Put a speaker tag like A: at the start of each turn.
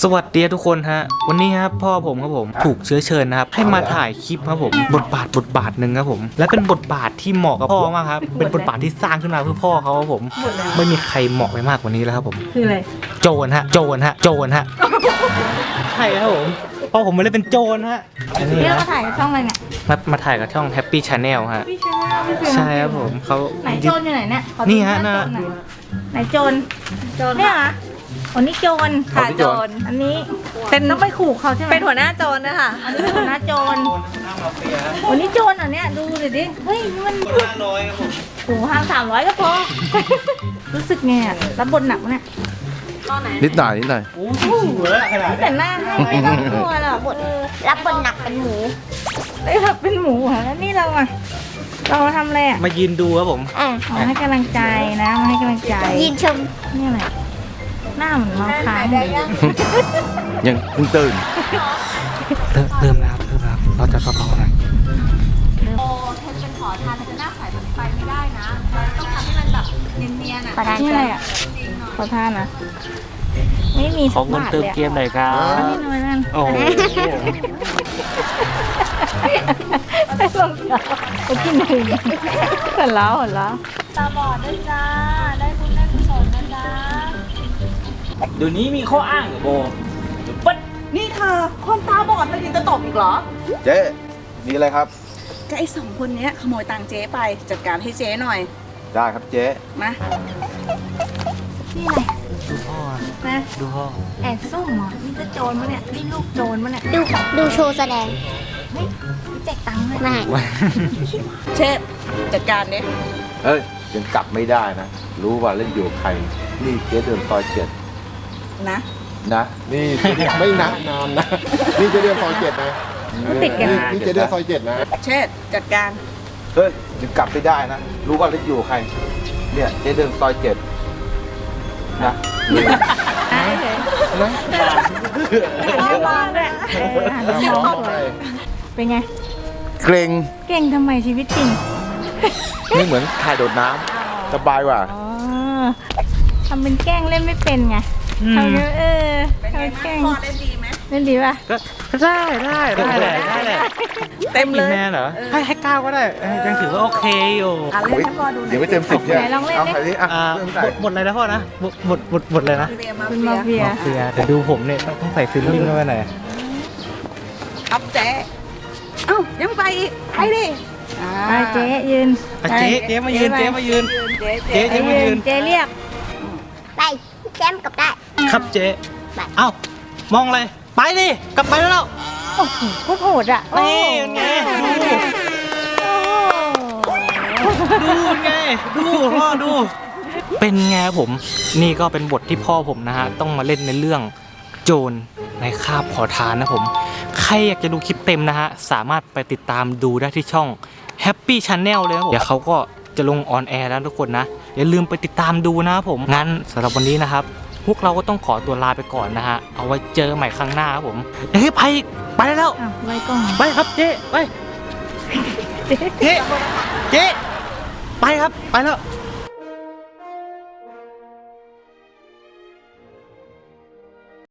A: สวัสดีทุกคนฮะวันนี้ครับพ่อผมครับผมถูกเชื้อเชิญนะครับให้มาถ่ายคลิปครับผมบทบาทหนึ่งครับผมและเป็นบทบาทที่เหมาะกับพ่อมากครับเป็นบทบาทที่สร้างขึ้นมาเพื่อพ่อเขาครับผมไม่มีใครเหมาะไปมากกว่านี้แล้วครับผม
B: คืออะไร
A: โจรฮะใช่ครับผมพ่อผมมาเล่นเป็นโจรฮะอันนี้
B: นี่เรา
A: นะ
B: มาถ่ายกับช่องอะไรเนี่ย
A: มาถ่ายกับช่อง Happy Channel ฮะ
B: พี่ชนะพี่เสือ
A: ใช่ครับผมเขา
B: ไหนโจรอยู่ไหนเนี่ยขอดู
A: นี่ฮะ
B: หา
A: น่ะ
B: โจรหน่อยไหนโจรเนี่ยเหรอคนนี้โจร
C: ค่ะโจร
B: อันนี้เป็นต้องไปขู่เขาใช่ไหม
C: เป็นหัวหน้าโจรนะคะ
B: อันนี้เป็นหัวหน้าโจรวันนี้โจรอันเนี้ยดูดิเฮ้ยนี่มัน
A: 500ครับผม
B: โอ้โหห้าง300ก็พอ รู้สึกไงอะรับบทหนักเนี่ย
C: ตอนไหน
D: นิดหน่อยนิดหน่อย
A: โอ้โหเหลือขนาด
B: แต่หน้าไม่ต้องกลัวหรอกบทรับบทหนักเป็นหมูได้รับเป็นหมูเหรอแล้วนี่เราอะเราทำอะไรอะ
A: มายืนดูครับผม
B: มาให้กำลังใจนะมาให้กำลังใจ
E: ยินชม
B: นี่อะไรหน้าเหมือนเมาค้างเลย
D: ยังเพิ่งตื่น
A: เริ่มแล้วเราจะเบาๆหน่อย
C: โอ้เธอเป็นขอทานจะหน้าใสแบบไปไม่ได้นะต้องทำให้มันแบบเนียนๆอ่ะ
B: ขอทานนี่อะไรอ่ะขอทานนะไม่มี
A: ขอเงินเติมเกมหน่อยครับ
B: อันนี้หน่อยนั่น
A: โอ้โห
B: ไม่ลงจ้าไปกินหนึ่งหัวเราะ
C: ตาบอดด้วยจ้าได้บุญได้กุศลนะจ๊ะ
A: เดี๋ยวนี้มีข้ออ้างเหรอโบปั๊ด
F: นี่เธอคนตาบอดเลยยังจะตบอีกเหรอ
D: เจ๊มีอะไรครับ
F: ก็ไอ้2 คนเนี้ยขโมยตังค์เจ๊ไปจัดการให้เจ๊หน่อย
D: ได้ครับเจ๊
F: มา
B: นี่อะไร
A: ดูพ่อ
B: นะ
A: ดูพ่อ
B: แอบซุ่มเหรอนี่ก็โจรมะเนี่ยนี่ลูกโจรมะเนี่ย
E: ดูโชว์แสดง
B: เฮ้ยนี่แจกตังค์เลย
E: มา
F: เชฟจัดการเนี้ย
D: เฮ้ยยังกลับไม่ได้นะ รู้ว่าเล่นอยู่กับใคร นี่เจ๊เดินซอย7
F: นะ
D: นะ นี่ไม่นับนานนะ นี่เจ๊เดินซอย7นะ
B: มันติดกัน
D: นี่เจ๊เดินซอย7นะ
F: เชฟจัดการ
D: เฮ้ยยังกลับไม่ได้นะ รู้ว่าเล่นอยู่กับใคร เนี่ยเจ๊เดินซอย7นะ
B: อ่ะเฉย
D: นะ
B: หันไปมองด้วยหันไปมองด้วยเป็นไง
D: เกรง
B: เก่งทำไมชีวิตจริง
D: ไม่เหมือนถ่ายโดดน้ำสบายกว่า
B: อ๋อทำเป็นแกล้งเล่นไม่เป็นไงทำเป็น
F: เป็นไง
B: ทำแกล้
F: บ้าง งพ่อเล่นดีไหม
B: เล่นดีป่ะ
A: ก็ได้แหละ
F: เต็มเลย
A: แม่เหรอให้9ก็ได้ยังถือว่าโอเคอยู่
F: อ่ะเล่นให้พ่อดูหน่
D: เดี๋ยวไม่
F: อย
D: เต็ม10เนี่ย
B: ไหนลองเล่นดิ
D: เอาใครดิอ่ะ
A: บ
D: เริ่มใส่
A: บทอะไรนะพ่อนะบทอะไรนะ
F: เรียมา
B: เป็น
F: เฟี
B: มาย เฟีย
A: เฟียแต่ดูผมเนี่ยต้องใส่ฟิลลิ่งเข้าไปหน่อย
F: อัพเจ๊เอ้ายังไปอีกไปดิอ่า
B: ไปเจ๊ยืน
A: เจ๊มายืน
F: เจ๊
A: เจ๊
B: เจ๊
A: มายืน
B: เจ๊เรียก
E: ไปแจมกับได้
A: ครับเจ๊เอ้ามองอะไรไปดิกลับไปแล้ว
B: โอ้โหโคตรโหดอ่ะ
A: นี่ไงดูไงดูพ่อดูเป็นไงผมนี่ก็เป็นบทที่พ่อผมนะฮะต้องมาเล่นในเรื่องโจรในคาบขอทานนะผมใครอยากจะดูคลิปเต็มนะฮะสามารถไปติดตามดูได้ที่ช่อง Happy Channel เลยนะผมเดี๋ยวเขาก็จะลงออนแอร์แล้วทุกคนนะอย่าลืมไปติดตามดูนะผมงั้นสำหรับวันนี้นะครับพวกเราก็ต้องขอตัวลาไปก่อนนะฮะเอาไว้เจอใหม่ครั้งหน้าครับผมเฮ้ยไปแล้ว
B: อ้าวไว้กล้อง
A: ไปครับเจ๊ไปเจ๊ไปครับไปแล้ว